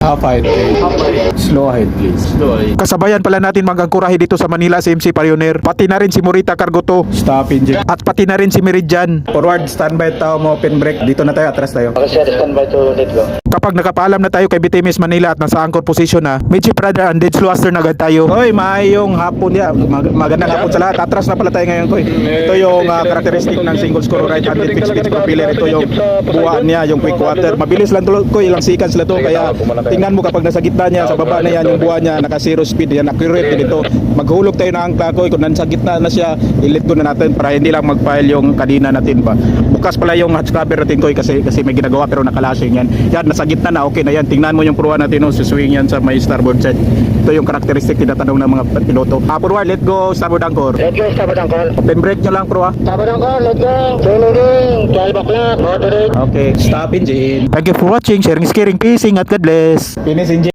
Half height, slow height please. Kasabayan pala natin mag-angkurahe dito sa Manila si MC Pioneer. Pati na rin si Morita Cargo 2. Stop engine. At pati na rin si Meridian. Forward, standby tao mo, open brake. Dito na tayo, atras tayo. Okay sir, standby to let go. Kapag nakapaalam na tayo kay BTMS Manila at nasa anchor position na, medyo brother and dead slow na agad tayo. Hoy, maayong hapon ya. Magandang hapon sa lahat. Atras na pala tayo ngayon ko. Ito yung karakteristik ng single screw right handed fixed pitch propeller. Ito yung buwaan niya, yung quick water. Mabilis lang to ko, ilang seconds lang to. Kaya tingnan mo kapag nasa gitna niya, sa baba na yan, yung buwaan niya, naka zero speed yan, accurate din ito. Maghulog tayo ng angkla ko. Kung nasa gitna na siya, i-let go na natin para hindi lang mag-file yung kadina natin ba. Bukas pala yung hatch cover natin ko kasi may ginagawa pero nakalasing yan. Yan, nasa gitna na, okay na yan. Tingnan mo yung pruwa natin, no, suswing yan sa may starboard side. Ito yung karakteristik tinatanong ng mga piloto. Forward, let go, starboard anchor. Let go, starboard anchor. Open brake nyo lang, pruwa. Starboard anchor, let go. Tuloy, 12 o'clock, moderate. Okay, stop engine. Thank you for watching, sharing, caring, peace, at God bless. Finish engine.